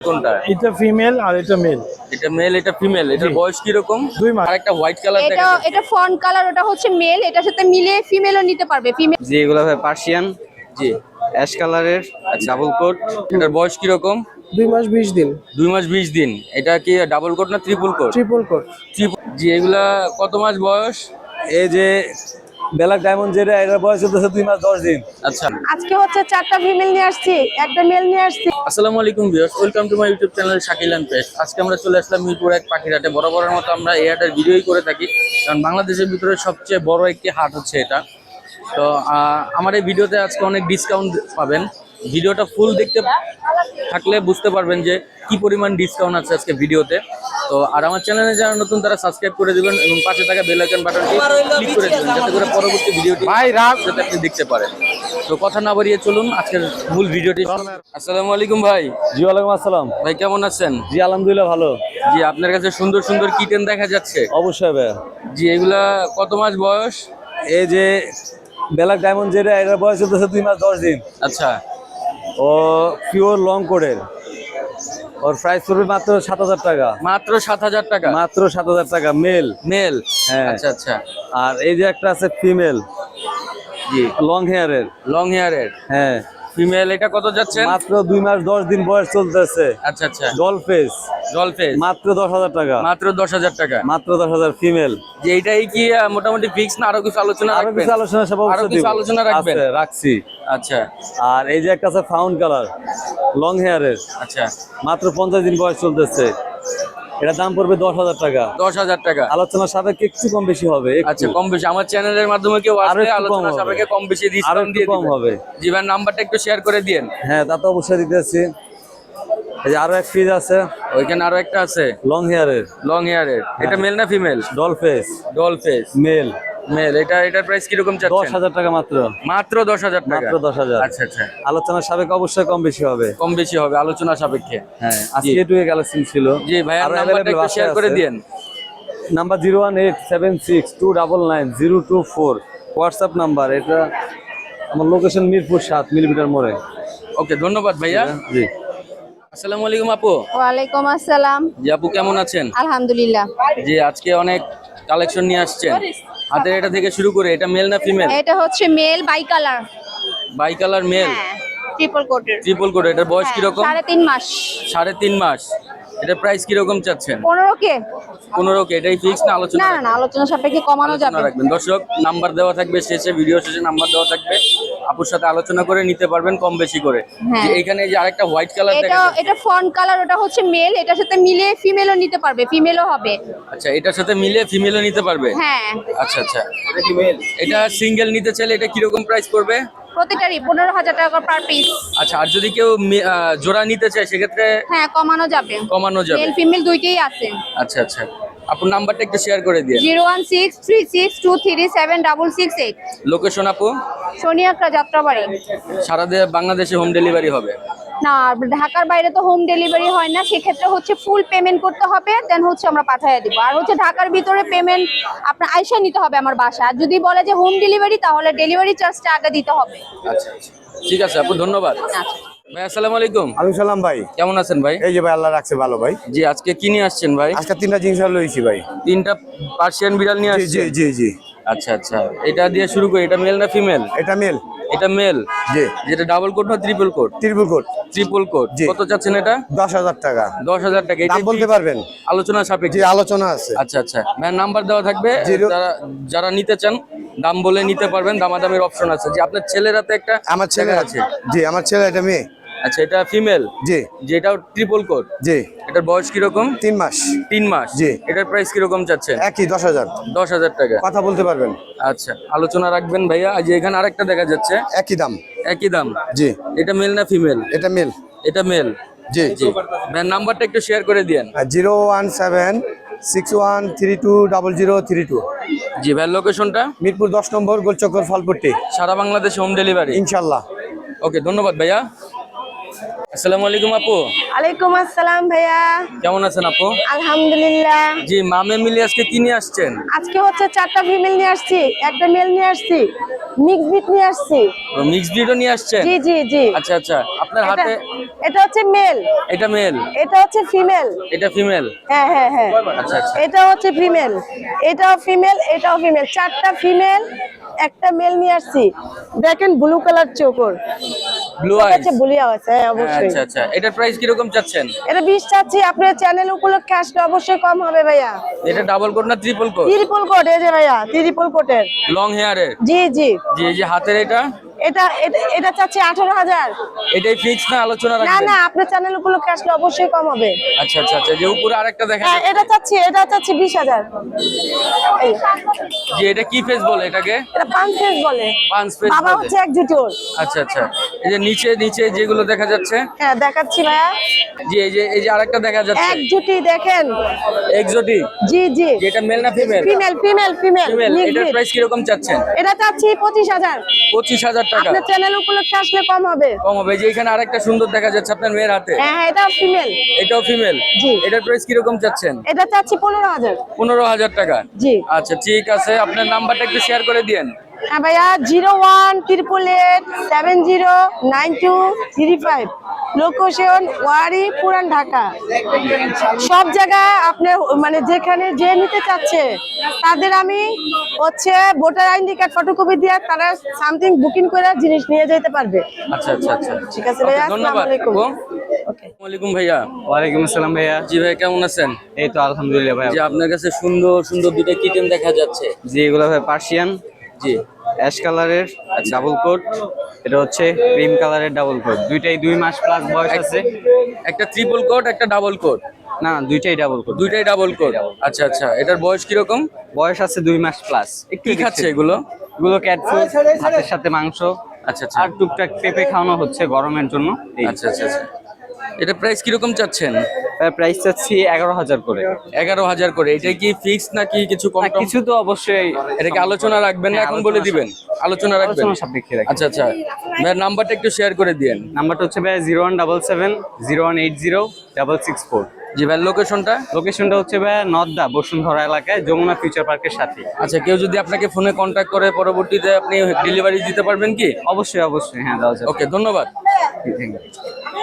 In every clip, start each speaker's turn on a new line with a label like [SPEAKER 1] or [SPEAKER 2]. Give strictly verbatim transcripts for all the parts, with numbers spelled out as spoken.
[SPEAKER 1] কোনটা?
[SPEAKER 2] এটা ফিমেল আর এটা মেল।
[SPEAKER 1] এটা মেল, এটা ফিমেল। এটার বয়স কি রকম?
[SPEAKER 2] দুই মাস।
[SPEAKER 1] আর একটা হোয়াইট কালার
[SPEAKER 3] এটা এটা ফন কালার, ওটা হচ্ছে মেল, এটার সাথে মিলে ফিমেলও নিতে পারবে। ফিমেল
[SPEAKER 4] জি, এগুলো ভাই পার্সিয়ান,
[SPEAKER 1] জি
[SPEAKER 4] অ্যাশ কালারের ডাবল কোট।
[SPEAKER 1] এটার বয়স কি রকম?
[SPEAKER 2] দুই মাস বিশ দিন।
[SPEAKER 1] দুই মাস বিশ দিন। এটা কি ডাবল কোট না ট্রিপল কোট?
[SPEAKER 2] Triple coat.
[SPEAKER 1] জি, এগুলা কত মাস বয়স?
[SPEAKER 5] এই যে ব্ল্যাক ডায়মন্ড যেটা, এটার বয়স চলতেছে দুই মাস দশ দিন।
[SPEAKER 1] আচ্ছা,
[SPEAKER 3] আজকে হচ্ছে চারটা ফিমেল নিয়ে আসছি, একটা মেল নিয়ে আসছি।
[SPEAKER 1] আসসালামু আলাইকুম viewers, welcome to my YouTube channel Shakil and pest. আজকে আমরা চলে আসলাম মিরপুর এক পাখির হাটে। বরাবরের মতো আমরা এই হাটের ভিডিওই করে থাকি, কারণ বাংলাদেশের ভিতরে সবচেয়ে বড় একটি হাট হচ্ছে এটা। তো আহ, আমার এই ভিডিওতে আজকে অনেক ডিসকাউন্ট পাবেন। ভিডিওটা ফুল দেখতে থাকলে বুঝতে পারবেন যে কি পরিমাণ ডিসকাউন্ট আছে আজকে ভিডিওতে। তো আর আমার চ্যানেলে যারা নতুন তারা সাবস্ক্রাইব করে দিবেন এবং পাশে থাকা বেল আইকন বাটনটি ক্লিক করে দিবেন, যাতে করে পরবর্তী ভিডিওটি যাতে আপনি দেখতে পারেন। তো কথা না বাড়িয়ে চলুন আজকের মূল ভিডিওটি। আসসালামু আলাইকুম ভাই।
[SPEAKER 5] জি ওয়ালাইকুম আসসালাম।
[SPEAKER 1] ভাই কেমন আছেন?
[SPEAKER 5] জি আলহামদুলিল্লাহ ভালো।
[SPEAKER 1] জি, আপনার কাছে সুন্দর সুন্দর কিটেন দেখা যাচ্ছে।
[SPEAKER 5] অবশ্যই ভাই।
[SPEAKER 1] জি, এগুলা কত মাস বয়স?
[SPEAKER 5] এই যে ব্ল্যাক ডায়মন্ড যেটা, এটার বয়স চলতেছে দুই মাস দশ দিন।
[SPEAKER 1] আচ্ছা,
[SPEAKER 5] ও পিওর লং কোডের। ওর প্রাইস পড়বে মাত্র সাত হাজার টাকা।
[SPEAKER 1] মাত্র সাত হাজার টাকা?
[SPEAKER 5] মাত্র সাত হাজার টাকা মেল।
[SPEAKER 1] মেল?
[SPEAKER 5] হ্যাঁ।
[SPEAKER 1] আচ্ছা আচ্ছা।
[SPEAKER 5] আর এই যে একটা আছে ফিমেল,
[SPEAKER 1] জি,
[SPEAKER 5] লং হেয়ারের।
[SPEAKER 1] লং হেয়ারের
[SPEAKER 5] হ্যাঁ,
[SPEAKER 1] ফিমেল। এটা কত যাচ্ছেন?
[SPEAKER 5] মাত্র দুই মাস দশ দিন বয়স চলতেছে।
[SPEAKER 1] আচ্ছা আচ্ছা।
[SPEAKER 5] ডল ফেস,
[SPEAKER 1] জল ফেস?
[SPEAKER 5] মাত্র দশ হাজার টাকা।
[SPEAKER 1] মাত্র দশ হাজার টাকা?
[SPEAKER 5] মাত্র দশ হাজার ফিমেল।
[SPEAKER 1] যে এইটাই কি আহ, মোটামুটি ফিক্স না আরো কিছু আলোচনা
[SPEAKER 5] আরো
[SPEAKER 1] রাখবেন?
[SPEAKER 5] কিছু আলোচনা সব
[SPEAKER 1] আরো কিছু আলোচনা রাখবেন?
[SPEAKER 5] আছে, রাখছি।
[SPEAKER 1] আচ্ছা
[SPEAKER 5] আর এই যে একটা আছে ফাউন্ড কালার, লং হেয়ারের,
[SPEAKER 1] আচ্ছা।
[SPEAKER 5] মাত্র পঞ্চাশ দিন বয়স চলতেছে। এটা দাম পড়বে দশ হাজার টাকা।
[SPEAKER 1] দশ হাজার টাকা?
[SPEAKER 5] আলোচনার সাপেক্ষে একটু কম বেশি হবে। একটু।
[SPEAKER 1] আচ্ছা, কম বেশি আমার চ্যানেলের মাধ্যমে কেউ
[SPEAKER 5] আরো
[SPEAKER 1] আসলে
[SPEAKER 5] একটু কম
[SPEAKER 1] আলোচনা
[SPEAKER 5] হবে।
[SPEAKER 1] সাপেক্ষে কম বেশি
[SPEAKER 5] আরো
[SPEAKER 1] ডিসকাউন্ট
[SPEAKER 5] একটু
[SPEAKER 1] দিয়ে
[SPEAKER 5] কম
[SPEAKER 1] দিবেন।
[SPEAKER 5] হবে।
[SPEAKER 1] জি ভাই, নাম্বারটা একটু শেয়ার করে দিন।
[SPEAKER 5] হ্যাঁ, তা তো অবশ্যই দিতেছি। এই যে আরো এক পিস আছে,
[SPEAKER 1] ওইখানে আরো একটা আছে
[SPEAKER 5] লং হেয়ারের,
[SPEAKER 1] লং হেয়ারের। এটা মেল না female?
[SPEAKER 5] Doll face,
[SPEAKER 1] doll face
[SPEAKER 5] male.
[SPEAKER 1] Male. এটা এটার প্রাইস কিরকম
[SPEAKER 5] দশ
[SPEAKER 1] চাচ্ছেন?
[SPEAKER 5] হাজার টাকা মাত্র।
[SPEAKER 1] মাত্র দশ হাজার টাকা?
[SPEAKER 5] মাত্র দশ হাজার।
[SPEAKER 1] আচ্ছা আচ্ছা।
[SPEAKER 5] আলোচনার সাপেক্ষে অবশ্যই কম বেশি হবে।
[SPEAKER 1] কম বেশি হবে আলোচনা সাপেক্ষে।
[SPEAKER 5] হ্যাঁ, আজকে এটুকু কালেকশন ছিল।
[SPEAKER 1] জি ভাই,
[SPEAKER 5] আরো
[SPEAKER 1] নাম্বারটা
[SPEAKER 5] available
[SPEAKER 1] একটু শেয়ার
[SPEAKER 5] বাসায়
[SPEAKER 1] করে
[SPEAKER 5] আছে।
[SPEAKER 1] দিন।
[SPEAKER 5] Number zero one eight seven six two double nine zero two four WhatsApp number. এটা আমার লোকেশন মিরপুর সাত মিলিমিটার মোড়ে।
[SPEAKER 1] ওকে, ধন্যবাদ ভাইয়া।
[SPEAKER 5] জি।
[SPEAKER 1] আসসালামু আলাইকুম আপু।
[SPEAKER 3] ওয়ালাইকুম আসসালাম।
[SPEAKER 1] জি আপু, কেমন আছেন?
[SPEAKER 3] আলহামদুলিল্লাহ।
[SPEAKER 1] জি, আজকে অনেক কালেকশন নিয়ে আসছেন। হাতের এটা থেকে শুরু করে, এটা মেল না ফিমেল?
[SPEAKER 3] এটা হচ্ছে male bi colour.
[SPEAKER 1] Bi colour male,
[SPEAKER 3] হ্যাঁ, ট্রিপল কোটের।
[SPEAKER 1] Triple coat. এটার বয়স কিরকম?
[SPEAKER 3] সাড়ে তিন মাস।
[SPEAKER 1] সাড়ে তিন মাস। এটার প্রাইস কিরকম চাচ্ছেন?
[SPEAKER 3] পনেরো কে?
[SPEAKER 1] পনেরো কে? এটাই ফিক্স না আলোচনা
[SPEAKER 3] না না
[SPEAKER 1] রাখবেন?
[SPEAKER 3] না, আলোচনা সাপেক্ষে কমানো
[SPEAKER 1] আলোচনা
[SPEAKER 3] যাবে।
[SPEAKER 1] রাখবেন। দর্শক, নাম্বার দেওয়া থাকবে শেষে, ভিডিও শেষে নাম্বার দেওয়া থাকবে। আপুর সাথে আলোচনা করে নিতে পারবেন কম বেশি করে।
[SPEAKER 3] হ্যাঁ।
[SPEAKER 1] যে এখানে যে আরেকটা হোয়াইট কালার
[SPEAKER 3] এটা
[SPEAKER 1] দেখা যাচ্ছে।
[SPEAKER 3] এটা ফন কালার, ওটা হচ্ছে মেল, এটার সাথে মিলে ফিমেলও নিতে পারবে। ফিমেলও হবে।
[SPEAKER 1] আচ্ছা, এটার সাথে মিলে ফিমেলও নিতে পারবে?
[SPEAKER 3] হ্যাঁ,
[SPEAKER 1] আচ্ছা আচ্ছা। এটা সিঙ্গেল নিতে চাইলে এটা কিরকম প্রাইস পড়বে?
[SPEAKER 3] প্রতিটারই পনেরো হাজার টাকা পার পিস।
[SPEAKER 1] আচ্ছা, আর যদি কেউ মি- আহ, জোড়া নিতে চায় সেক্ষেত্রে
[SPEAKER 3] হ্যাঁ, কমানো যাবে।
[SPEAKER 1] কমানো যাবে?
[SPEAKER 3] মেল ফিমেল দুইটাই আছে।
[SPEAKER 1] আচ্ছা আচ্ছা। আপুর নাম্বারটা একটু শেয়ার করে দিয়ে।
[SPEAKER 3] Zero one six three six two three seven double six eight.
[SPEAKER 1] Location আপু?
[SPEAKER 3] সোনিয়াকড়া যাত্রাবাড়ি।
[SPEAKER 1] সারা দে- বাংলাদেশে হোম ডেলিভারি হবে?
[SPEAKER 3] না, ঢাকার বাইরে তো হোম ডেলিভারি হয় না, সেক্ষেত্রে হচ্ছে ফুল পেমেন্ট করতে হবে, দেন হচ্ছে আমরা পাঠিয়ে দিব। আর হচ্ছে ঢাকার ভিতরে পেমেন্ট আপনার আইসা নিতে হবে আমার বাসা। আর যদি বলে যে হোম ডেলিভারি, তাহলে ডেলিভারি চার্জটা আগে দিতে হবে।
[SPEAKER 1] আচ্ছা আচ্ছা, ঠিক আছে আপু, ধন্যবাদ।
[SPEAKER 3] আচ্ছা।
[SPEAKER 1] ভাই আসসালামু আলাইকুম।
[SPEAKER 6] আলাইকুম সালাম ভাই।
[SPEAKER 1] কেমন আছেন ভাই?
[SPEAKER 6] এই যে ভাই আল্লাহ রাখছে ভালো ভাই।
[SPEAKER 1] জি, আজকে কি নিয়ে আসছেন ভাই?
[SPEAKER 6] আজকে তিনটা জিনিস লইছি ভাই।
[SPEAKER 1] তিনটা পার্সিয়ান বিড়াল নিয়ে
[SPEAKER 6] জি জি
[SPEAKER 1] আসছেন?
[SPEAKER 6] জি জি।
[SPEAKER 1] আচ্ছা আচ্ছা। এটা দিয়ে শুরু করি। এটা মেল না ফিমেল?
[SPEAKER 6] এটা মেল।
[SPEAKER 1] এটা মেল।
[SPEAKER 6] জি।
[SPEAKER 1] যেটা ডাবল কোট না triple coat?
[SPEAKER 6] Triple coat.
[SPEAKER 1] Triple coat.
[SPEAKER 6] জি।
[SPEAKER 1] কত চাচ্ছেন এটা?
[SPEAKER 6] দশ হাজার টাকা।
[SPEAKER 1] দশ হাজার টাকা। এটা
[SPEAKER 6] দাম বলতে পারবেন?
[SPEAKER 1] আলোচনা
[SPEAKER 6] জি,
[SPEAKER 1] সাপেক্ষে?
[SPEAKER 6] আলোচনা আছে।
[SPEAKER 1] আচ্ছা আচ্ছা। ভাই নাম্বার দেওয়া থাকবে,
[SPEAKER 6] জিরো-
[SPEAKER 1] যারা যারা নিতে চান দাম বলে নিতে পারবেন। দামাদামির অপশন আছে। যে আপনার ছেলের হাতে একটা
[SPEAKER 6] আমার ছেলে
[SPEAKER 1] দেখা
[SPEAKER 6] আছে। জি, আমার ছেলে এটা মেয়ে।
[SPEAKER 1] আচ্ছা, এটা ফিমেল?
[SPEAKER 6] জি
[SPEAKER 1] যেটাও ট্রিপল কোট।
[SPEAKER 6] জি।
[SPEAKER 1] এটার বয়স কিরকম?
[SPEAKER 6] তিন মাস।
[SPEAKER 1] তিন মাস।
[SPEAKER 6] জি।
[SPEAKER 1] এটার প্রাইস কিরকম চাচ্ছেন?
[SPEAKER 6] একই দশ হাজার।
[SPEAKER 1] দশ হাজার টাকা।
[SPEAKER 6] কথা বলতে পারবেন?
[SPEAKER 1] আচ্ছা, আলোচনা রাখবেন ভাইয়া। আজ এখানে আরেকটা দেখা যাচ্ছে,
[SPEAKER 6] একই দাম।
[SPEAKER 1] একই দাম।
[SPEAKER 6] জি।
[SPEAKER 1] এটা মেল না ফিমেল?
[SPEAKER 6] এটা মেল।
[SPEAKER 1] এটা মেল।
[SPEAKER 6] জি
[SPEAKER 1] জি। ভাই নাম্বারটা একটু শেয়ার করে দিয়েন।
[SPEAKER 6] Zero one seven six one three two double zero three two.
[SPEAKER 1] জি ভাই, লোকেশনটা?
[SPEAKER 6] মিরপুর দশ নম্বর গোলচক্কর ফলপট্টি।
[SPEAKER 1] সারা বাংলাদেশে হোম ডেলিভারি
[SPEAKER 6] ইনশাল্লাহ।
[SPEAKER 1] ওকে, ধন্যবাদ ভাইয়া। আসসালামু আলাইকুম আপু,
[SPEAKER 7] আলাইকুম আসসালাম ভাইয়া।
[SPEAKER 1] কেমন আছেন আপু?
[SPEAKER 7] আলহামদুলিল্লাহ।
[SPEAKER 1] জি, মামে মিলে আজকে কি নিয়ে আসছেন?
[SPEAKER 7] আজকে হচ্ছে চারটা ফিমেল নিয়ে আসছি, একটা মেল নিয়ে আসছি, মিক্স বিট নিয়ে আসছি।
[SPEAKER 1] মিক্স ব্রিডও নিয়ে আসছেন?
[SPEAKER 7] জি জি জি।
[SPEAKER 1] আচ্ছা আচ্ছা, আপনার
[SPEAKER 7] এটা
[SPEAKER 1] হাতে
[SPEAKER 7] এটা হচ্ছে মেল,
[SPEAKER 1] এটা মেল,
[SPEAKER 7] এটা হচ্ছে ফিমেল।
[SPEAKER 1] এটা ফিমেল।
[SPEAKER 7] হ্যাঁ হ্যাঁ হ্যাঁ।
[SPEAKER 1] আচ্ছা আচ্ছা,
[SPEAKER 7] এটা হচ্ছে ফিমেল, এটাও ফিমেল, এটাও ফিমেল। চারটা ফিমেল, একটা মেল নিয়ে আসছি। দেখেন ব্লু কালার চোখর,
[SPEAKER 1] ব্লু আইস।
[SPEAKER 7] আচ্ছা বুলিয়া আছে, হ্যাঁ অবশ্যই।
[SPEAKER 1] আচ্ছা আচ্ছা, এটার প্রাইস কি রকম চাচ্ছেন?
[SPEAKER 7] এটা বিশ চাচ্ছি, আপনার চ্যানেল উপলক্ষে আসলে অবশ্যই কম হবে ভাইয়া।
[SPEAKER 1] এটা ডাবল কোট না ট্রিপল কোট?
[SPEAKER 7] ত্রিপল কোট, এই যে ভাইয়া ত্রিপল কোটের।
[SPEAKER 1] লং হেয়ারের?
[SPEAKER 7] জি জি।
[SPEAKER 1] জি, এই যে হাতের এটা
[SPEAKER 7] এটা এটা- এটা চাচ্ছি আঠারো হাজার।
[SPEAKER 1] এটাই ফিক্স না আলোচনা
[SPEAKER 7] না
[SPEAKER 1] রাখবেন?
[SPEAKER 7] না, আপনার চ্যানেল উপলক্ষে আসলে অবশ্যই কম হবে।
[SPEAKER 1] আচ্ছা আচ্ছা আচ্ছা, যে উপরে আরেকটা দেখা
[SPEAKER 7] হ্যাঁ,
[SPEAKER 1] যাচ্ছে।
[SPEAKER 7] এটা চাচ্ছি এটা চাচ্ছি বিশ হাজার। এই,
[SPEAKER 1] জি, এটা কি ফেস বলে এটাকে?
[SPEAKER 7] এটা পাঁচ ফেজ বলে,
[SPEAKER 1] পাঁচ ফেস
[SPEAKER 7] বাবা
[SPEAKER 1] বলে।
[SPEAKER 7] হচ্ছে এক জুটি ওর।
[SPEAKER 1] আচ্ছা আচ্ছা, এই যে নিচে নিচে যেগুলো দেখা যাচ্ছে।
[SPEAKER 7] হ্যাঁ দেখাচ্ছি ভাইয়া,
[SPEAKER 1] জি, এই যে এই যে আরেকটা দেখা যাচ্ছে
[SPEAKER 7] এক জুটি দেখেন।
[SPEAKER 1] এক্সোটিক।
[SPEAKER 7] জি জি।
[SPEAKER 1] এটা মেল না female?
[SPEAKER 7] Female female female.
[SPEAKER 1] Female. এটার প্রাইস কি রকম চাচ্ছেন?
[SPEAKER 7] এটা চাচ্ছি পঁচিশ হাজার।
[SPEAKER 1] পঁচিশ হাজার টাকা।
[SPEAKER 7] আপনার চ্যানেল উপলক্ষে আসলে কম হবে।
[SPEAKER 1] কম হবে। যে এখানে আরেকটা সুন্দর দেখা যাচ্ছে আপনার মেয়ের হাতে,
[SPEAKER 7] হ্যাঁ হ্যাঁ, এটা ফিমেল।
[SPEAKER 1] এটাও ফিমেল।
[SPEAKER 7] জি।
[SPEAKER 1] এটার প্রাইস কি রকম চাচ্ছেন?
[SPEAKER 7] এটা চাচ্ছি পনেরো হাজার।
[SPEAKER 1] পনেরো হাজার টাকা।
[SPEAKER 7] জি।
[SPEAKER 1] আচ্ছা ঠিক আছে, আপনার নাম্বারটা একটু শেয়ার করে দিয়েন।
[SPEAKER 7] হ্যাঁ ভাইয়া, zero one triple eight seven zero nine two three five, location Wari, Puran Dhaka. সব জায়গায় আপনার মানে যেখানে যে নিতে চাচ্ছে তাদের আমি হচ্ছে ভোটার আইডি কার্ড ফটোকপি দিয়ে তারা সামথিং বুকিং করে জিনিস নিয়ে যেতে পারবে।
[SPEAKER 1] আচ্ছা আচ্ছা আচ্ছা,
[SPEAKER 7] ঠিক আছে ভাইয়া,
[SPEAKER 1] Okay, ধন্যবাদ।
[SPEAKER 7] আসসালামু আলাইকুম।
[SPEAKER 1] আপু।
[SPEAKER 7] ওকে।
[SPEAKER 1] আসসালামু আলাইকুম ভাইয়া।
[SPEAKER 4] ওয়ালাইকুম আসসালাম ভাইয়া।
[SPEAKER 1] জি ভাই, কেমন আছেন?
[SPEAKER 4] এই তো আলহামদুলিল্লাহ ভাইয়া।
[SPEAKER 1] জি, আপনার কাছে সুন্দর সুন্দর দুটো কিটেন দেখা যাচ্ছে।
[SPEAKER 4] জি, এগুলো ভাই পার্সিয়ান,
[SPEAKER 1] জি
[SPEAKER 4] অ্যাশ কালারের ডাবল কোট, এটা হচ্ছে ক্রিম কালারের ডাবল কোট। দুইটাই দুই মাস প্লাস বয়স আছে।
[SPEAKER 1] একটা ট্রিপল কোট, একটা ডাবল কোট।
[SPEAKER 4] না না, দুইটাই ডাবল কোট।
[SPEAKER 1] দুইটাই ডাবল কোট। আচ্ছা আচ্ছা, এটার বয়স কিরকম?
[SPEAKER 4] বয়স আছে দুই মাস প্লাস। একটু
[SPEAKER 1] কি খাচ্ছে এগুলো?
[SPEAKER 4] এগুলো ক্যাট ফুড, ভাতের সাথে মাংস,
[SPEAKER 1] আচ্ছা আচ্ছা
[SPEAKER 4] আর টুকটাক পেঁপে খাওয়ানো হচ্ছে গরমের জন্য। এই
[SPEAKER 1] আচ্ছা আচ্ছা আচ্ছা, এটা প্রাইস কিরকম চাচ্ছেন?
[SPEAKER 4] প্রাইস চাচ্ছি এগারো হাজার করে।
[SPEAKER 1] এগারো হাজার করে। এটা কি ফিক্স নাকি কিছু কম
[SPEAKER 4] না,
[SPEAKER 1] টম?
[SPEAKER 4] কিছু তো অবশ্যই।
[SPEAKER 1] এটা কি আলোচনা রাখবেন না
[SPEAKER 4] হ্যাঁ,
[SPEAKER 1] এখন
[SPEAKER 4] আলোচনা
[SPEAKER 1] বলে দিবেন? আলোচনা রাখবেন।
[SPEAKER 4] আলোচনা সাপেক্ষে রাখি।
[SPEAKER 1] আচ্ছা আচ্ছা, ভাইয়ের নাম্বারটা একটু শেয়ার করে দিয়েন।
[SPEAKER 4] নাম্বারটা হচ্ছে ভাই zero one double seven zero one eight zero double six four.
[SPEAKER 1] জি ভাইয়ের লোকেশনটা?
[SPEAKER 4] লোকেশনটা হচ্ছে ভাই নর্দা বসুন্ধরা এলাকায়, যমুনা ফিউচার পার্কের সাথে।
[SPEAKER 1] আচ্ছা, কেউ যদি আপনাকে ফোনে কন্ট্যাক্ট করে পরবর্তীতে আপনি ডেলিভারি দিতে পারবেন কি?
[SPEAKER 4] অবশ্যই অবশ্যই, হ্যাঁ দেওয়া যাবে।
[SPEAKER 1] ওকে, ধন্যবাদ।
[SPEAKER 4] Thank you.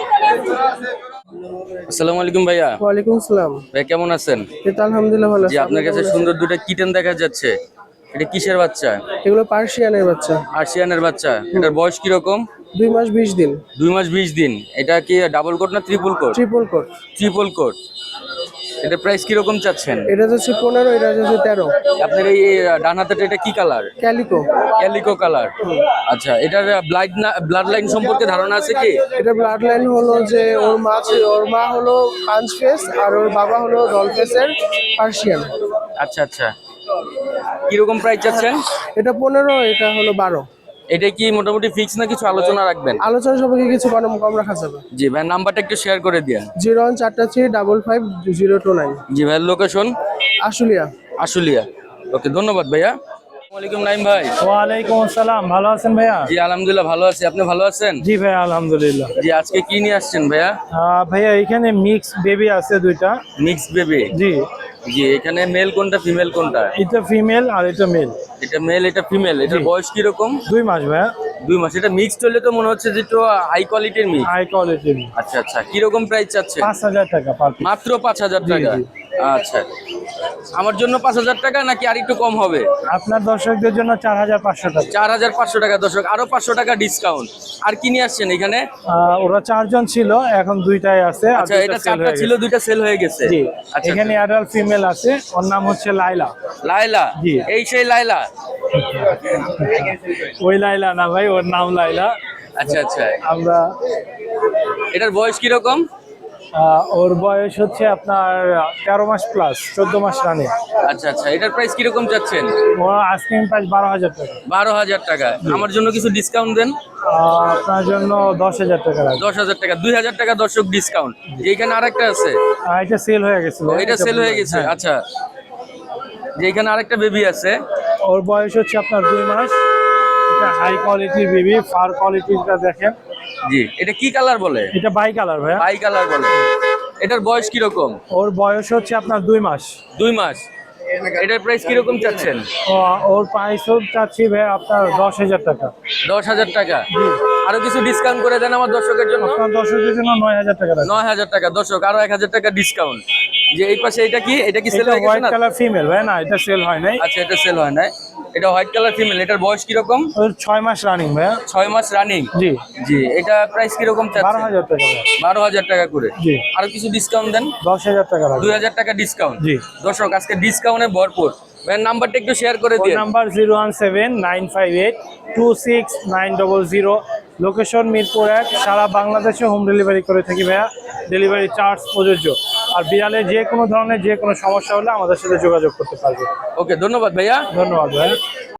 [SPEAKER 1] আসসালামু আলাইকুম ভাইয়া।
[SPEAKER 2] ওয়ালাইকুম আসসালাম।
[SPEAKER 1] ভাই কেমন আছেন?
[SPEAKER 2] এই তো আলহামদুলিল্লাহ ভালো
[SPEAKER 1] জি,
[SPEAKER 2] আছি।
[SPEAKER 1] আপনার কাছে সুন্দর দুটো কিটেন দেখা যাচ্ছে। এটা কিসের বাচ্চা?
[SPEAKER 2] এগুলো পার্সিয়ানের বাচ্চা,
[SPEAKER 1] আর্সিয়ানের বাচ্চা। এটার বয়স কিরকম?
[SPEAKER 2] দুই মাস বিশ দিন।
[SPEAKER 1] দুই মাস বিশ দিন। এটা কি ডাবল কোট না triple coat?
[SPEAKER 2] Triple coat.
[SPEAKER 1] Triple coat. এটা প্রাইস কিরকম চাচ্ছেন?
[SPEAKER 2] এটা হচ্ছে পনেরো, এটা হচ্ছে তেরো।
[SPEAKER 1] আপনার এই এই ডান হাতের এটা কি কালার?
[SPEAKER 2] ক্যালিকো।
[SPEAKER 1] Calico colour. আচ্ছা, এটার ব্লাড ব্লাড লাইন সম্পর্কে ধারণা আছে কি?
[SPEAKER 2] এটা ব্লাড লাইন হলো যে ওর মা ছিল- ওর মা হলো পাঁচ ফেস আর ওর বাবা হলো ডল ফেসের পার্সিয়ান।
[SPEAKER 1] আচ্ছা আচ্ছা, কিরকম প্রাইস চাচ্ছেন?
[SPEAKER 2] এটা পনেরো, এটা হলো বারো।
[SPEAKER 1] এটা কি মোটামুটি ফিক্স না কিছু আলোচনা রাখবেন?
[SPEAKER 2] আলোচনা সবাইকে কিছু কম কম রাখা যাবে।
[SPEAKER 1] জি ভাই, নাম্বারটা একটু শেয়ার করে দিন।
[SPEAKER 2] জিরো ওয়ান চারটা three double five zero two nine.
[SPEAKER 1] জি ভাইয়ের লোকেশন?
[SPEAKER 2] আশুলিয়া।
[SPEAKER 1] আশুলিয়া। ওকে, ধন্যবাদ ভাইয়া। আসসালামু আলাইকুম নাইম ভাই।
[SPEAKER 2] ওয়ালাইকুম আসসালাম, ভালো আছেন ভাইয়া?
[SPEAKER 1] জি আলহামদুলিল্লাহ ভালো আছি, আপনি ভালো আছেন?
[SPEAKER 2] জি ভাইয়া আলহামদুলিল্লাহ।
[SPEAKER 1] জি, আজকে কি নিয়ে আসছেন ভাইয়া?
[SPEAKER 2] আহ, ভাইয়া এখানে মিক্স বেবি আছে দুইটা।
[SPEAKER 1] Mix baby?
[SPEAKER 2] জি,
[SPEAKER 1] জি, এখানে মেল কোনটা ফিমেল কোনটা?
[SPEAKER 2] এটা ফিমেল আর এটা মেল।
[SPEAKER 1] এটা মেল, এটা ফিমেল। এটার
[SPEAKER 2] জি।
[SPEAKER 1] বয়স কিরকম?
[SPEAKER 2] দুই মাস ভাইয়া।
[SPEAKER 1] দুই মাস। এটা মিক্সড হলে তো মনে হচ্ছে যে একটু হাই কোয়ালিটির মিক্স।
[SPEAKER 2] High quality.
[SPEAKER 1] আচ্ছা আচ্ছা, কিরকম প্রাইস চাচ্ছে?
[SPEAKER 2] পাঁচ হাজার টাকা পার পিস।
[SPEAKER 1] মাত্র পাঁচ হাজার টাকা?
[SPEAKER 2] জি।
[SPEAKER 1] আচ্ছা, আমার জন্য পাঁচ হাজার টাকা নাকি আর একটু কম হবে?
[SPEAKER 2] আপনার দর্শকদের জন্য চার হাজার পাঁচশো টাকা।
[SPEAKER 1] চার হাজার পাঁচশো টাকা দর্শক, আরো পাঁচশো টাকা ডিসকাউন্ট। আর কি নিয়ে আসছেন এখানে?
[SPEAKER 2] আহ, ওরা চারজন ছিল, এখন দুইটাই আছে। আর
[SPEAKER 1] আচ্ছা,
[SPEAKER 2] দুইটা
[SPEAKER 1] এটা
[SPEAKER 2] sell
[SPEAKER 1] চারটা
[SPEAKER 2] হয়ে
[SPEAKER 1] ছিল,
[SPEAKER 2] গেছে।
[SPEAKER 1] দুইটা সেল হয়ে গেছে।
[SPEAKER 2] জি,
[SPEAKER 1] আচ্ছা,
[SPEAKER 2] এখানে অ্যাডাল্ট ফিমেল আছে, ওর নাম হচ্ছে লাইলা।
[SPEAKER 1] লাইলা?
[SPEAKER 2] জি।
[SPEAKER 1] এই সেই লাইলা?
[SPEAKER 2] ওই লাইলা না ভাই, ওর নাম লাইলা।
[SPEAKER 1] আচ্ছা আচ্ছা,
[SPEAKER 2] আমরা
[SPEAKER 1] এটার বয়স কিরকম?
[SPEAKER 2] আহ, ওর বয়স হচ্ছে আপনার তেরো মাস প্লাস, চোদ্দ মাস রানে।
[SPEAKER 1] আচ্ছা আচ্ছা, এটার প্রাইস কিরকম চাচ্ছেন?
[SPEAKER 2] ওর আস্কিং প্রাইস বারো হাজার টাকা।
[SPEAKER 1] বারো হাজার টাকা। আমার জন্য কিছু ডিসকাউন্ট দেন।
[SPEAKER 2] আহ, আপনার জন্য দশ হাজার টাকা লাগবে।
[SPEAKER 1] দশ হাজার টাকা, দুই হাজার টাকা দর্শক ডিসকাউন্ট। যেখানে আরেকটা আছে,
[SPEAKER 2] আহ, এটা সেল হয়ে গেছে।
[SPEAKER 1] ও, এটা সেল হয়ে গেছে।
[SPEAKER 2] হ্যাঁ।
[SPEAKER 1] আচ্ছা, যেখানে আরেকটা বেবি আছে,
[SPEAKER 2] ওর বয়স হচ্ছে আপনার দুই মাস। এটা হাই কোয়ালিটির বেবি, ফার কোয়ালিটিটা দেখেন,
[SPEAKER 1] জি, এটা কি কালার বলে?
[SPEAKER 8] এটা বাই কালার ভাইয়া।
[SPEAKER 1] বাই কালার বলে। এটার বয়স কিরকম?
[SPEAKER 8] ওর বয়স হচ্ছে আপনার দুই মাস।
[SPEAKER 1] দুই মাস। এটার প্রাইস কিরকম চাচ্ছেন?
[SPEAKER 8] ও- ওর প্রাইস চাচ্ছি ভাইয়া আপনার দশ হাজার টাকা।
[SPEAKER 1] দশ হাজার টাকা। আরো কিছু ডিসকাউন্ট করে দেন আমার দর্শকের জন্য।
[SPEAKER 8] আপনার দর্শকদের জন্য নয় হাজার টাকা রাখবো।
[SPEAKER 1] নয় হাজার টাকা দর্শক, আরো এক হাজার টাকা ডিসকাউন্ট। যে এই পাশে এটা কি? এটা কি সেল
[SPEAKER 8] এটা
[SPEAKER 1] হয়ে গেছে
[SPEAKER 8] হোয়াইট
[SPEAKER 1] না?
[SPEAKER 8] কালার ফিমেল ভাই, না এটা সেল হয় নাই।
[SPEAKER 1] আচ্ছা, এটা সেল হয় না। এটা হোয়াইট কালার ফিমেল। এটার বয়স কিরকম?
[SPEAKER 8] ওর ছয় মাস রানিং ভাইয়া।
[SPEAKER 1] ছয় মাস রানিং।
[SPEAKER 8] জি
[SPEAKER 1] জি, এটা প্রাইস কিরকম
[SPEAKER 8] বারো
[SPEAKER 1] চাচ্ছেন?
[SPEAKER 8] হাজার টাকা ভাইয়া।
[SPEAKER 1] বারো হাজার টাকা করে।
[SPEAKER 8] জি
[SPEAKER 1] আরো কিছু ডিসকাউন্ট দেন।
[SPEAKER 8] দশ হাজার টাকা রাখবো।
[SPEAKER 1] দুই হাজার টাকা ডিসকাউন্ট।
[SPEAKER 8] জি।
[SPEAKER 1] দর্শক আজকে ডিসকাউন্টে ভরপুর। ভাইয়ের নাম্বারটা একটু শেয়ার করে
[SPEAKER 8] ফোন
[SPEAKER 1] দিন।
[SPEAKER 8] Number zero one seven nine five eight two six nine double zero. Location Mirpur এক। সারা বাংলাদেশে হোম ডেলিভারি করে থাকি ভাইয়া, ডেলিভারি চার্জ প্রযোজ্য। আর বিড়ালের যে কোনো ধরনের যে কোনো সমস্যা হলে আমাদের সাথে যোগাযোগ করতে পারবে।
[SPEAKER 1] ওকে, ধন্যবাদ ভাইয়া।
[SPEAKER 8] ধন্যবাদ ভাইয়া।